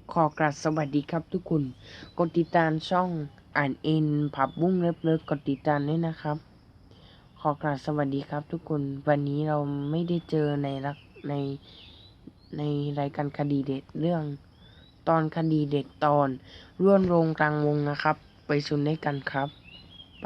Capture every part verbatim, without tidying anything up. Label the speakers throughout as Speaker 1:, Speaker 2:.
Speaker 1: ขอกราบสวัสดีครับทุกคนกดติดตามช่องอ่านเอ็นผับบุ้งเลิฟเลิฟกดติดตามด้วยนะครับขอกราบสวัสดีครับทุกคนวันนี้เราไม่ได้เจอในรักในในรายการคดีเด็ดเรื่องตอนคดีเด็ดตอนร่วนโรงกลางวงนะครับไปชมด้วยกันครับไป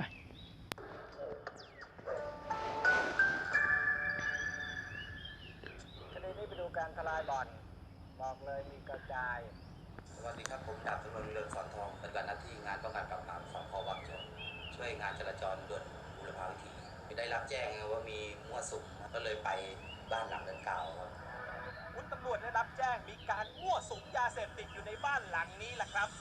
Speaker 2: คดีนี้ไปดูการทลายบ่อนบอกเลยมีกระจาย
Speaker 3: สวัสดีครับผมดาบตำรวจเรืองสอนทองปฏิบัติหน้าที่งานป้องกันปราบปรามสพวังชนช่วยงานจราจรด่วนบุรพาวิถีได้รับแจ้งว่ามีมั่วสุมก็เลยไปบ้านหลังดังกล่าวครับ
Speaker 2: คุณตำรวจได้รับแจ้งมีการมั่วสุมยาเสพติดอยู่ในบ้านหลังนี้แหละครับ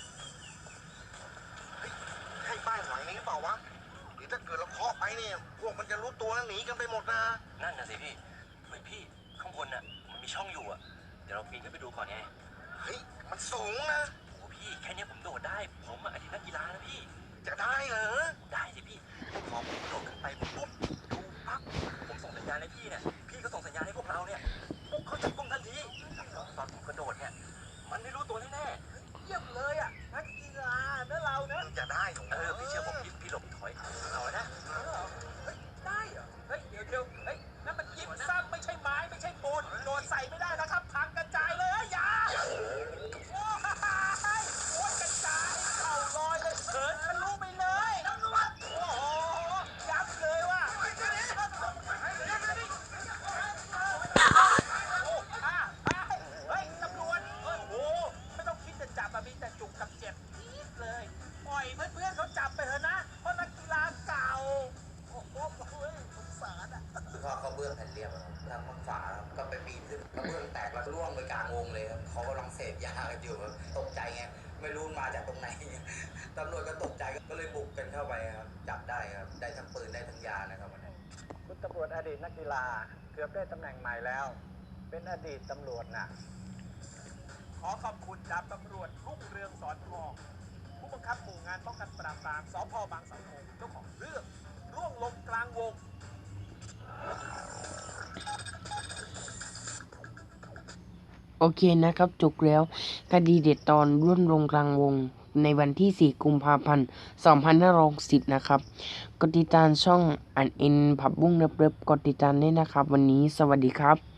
Speaker 4: เฮ้ยใช่บ้านหลังนี้เปล่าวะเดี๋ยวถ้าเกิดเราเคาะไปเนี่ยพวกมันจะรู้ตัวแล้วหนีกันไปหมดนะ
Speaker 5: นั่นน่ะสิพี่เฮ้ยพี่ข้างบนน่ะมันมีช่องอยู่อ่ะเดี๋ยวเราปีนขึ้นไปดูก่อนไง
Speaker 4: เฮ้ยมันสูงนะ
Speaker 5: โอ้พี่แค่นี้ผมโดดได้ผมอ่ะอดีตนักกีฬานะพี่
Speaker 4: จะได้เหรอ
Speaker 5: ได้สิพี่พอผมโดดขึ้นไปปุ๊บดูปั๊บผมส่งสัญญาณให้พี่เนี่ยพี่ก็ส่งสัญญาณให้พวกเราเนี่ยปุ๊บเขาจับกุมทันทีตอนผมกระโดดเนี่ยมันไม่รู้ตัวแน่
Speaker 2: เยี่ยมเลยอ่ะนักกีฬาเนื้อเราเนื้อ
Speaker 4: จะได้ของ
Speaker 5: ๆเออพี่เชื่อผมพี่พี่หลบถอยเอานะ
Speaker 2: เฮ้ยได้เหรอเฮ้ยเดี๋ยวเดี๋ยวเฮ้ยนั่นมันยิบซ้ำไม่ใช่ไม้ไม่ใช่ปูนโดนใส่ไม่ได้นะครับพังกระจายเลยอย่าโอ้ยโอ้ยกระจายเข่าลอยเลยเถินทะลุไปเลยตำรวจโอ้โหยับเลยว่ะโอ้อ่ะเฮ้ยตำรวจโอ้โหไม่ต้องคิดจะจับอะมีแต่จุกกับเจ็บนิดเลยปล่อยเพื่อนๆเขาจับไปเถอะนะเพราะนักกีฬาเก่าโอ้โหสงสารอ่ะ
Speaker 3: คือพ่อเขาเบื้องแผ่นเรียบครับทางฝั่งฝาครับก็ไปปีนขึ้นกระเบื้องแตกแล้วร่วงไปกลางวงเลยครับเขากำลังเสพยากันอยู่ครับตกใจไงไม่รู้มาจากตรงไหนตำรวจก็ตกใจก็เลยบุกกันเข้าไปครับจับได้ครับได้ทั้งปืนได้ทั้งยานะครับวันนี้
Speaker 2: คุณตำรวจอดีตนักกีฬาเกือบได้ตำแหน่งใหม่แล้วเป็นอดีตตำรวจน่ะขอขอบคุณดาบตำรวจรุ่งเรืองสอนทองผู้บังคับหมู่งานป้องกันปราบปรามสพบางเสาธงเจ้าของเรื่องร่วงลงกลางวง
Speaker 1: โอเคนะครับจบแล้วคดีเด็ดตอนร่วนโรงกลางวงในวันที่สี่กุมภาพันธ์สองพันห้าร้อยหกสิบนะครับกดติดตามช่องอ่านเอ็นผับบุ้งเลิฟเลิฟกดติดตามด้วยนะครับวันนี้สวัสดีครับ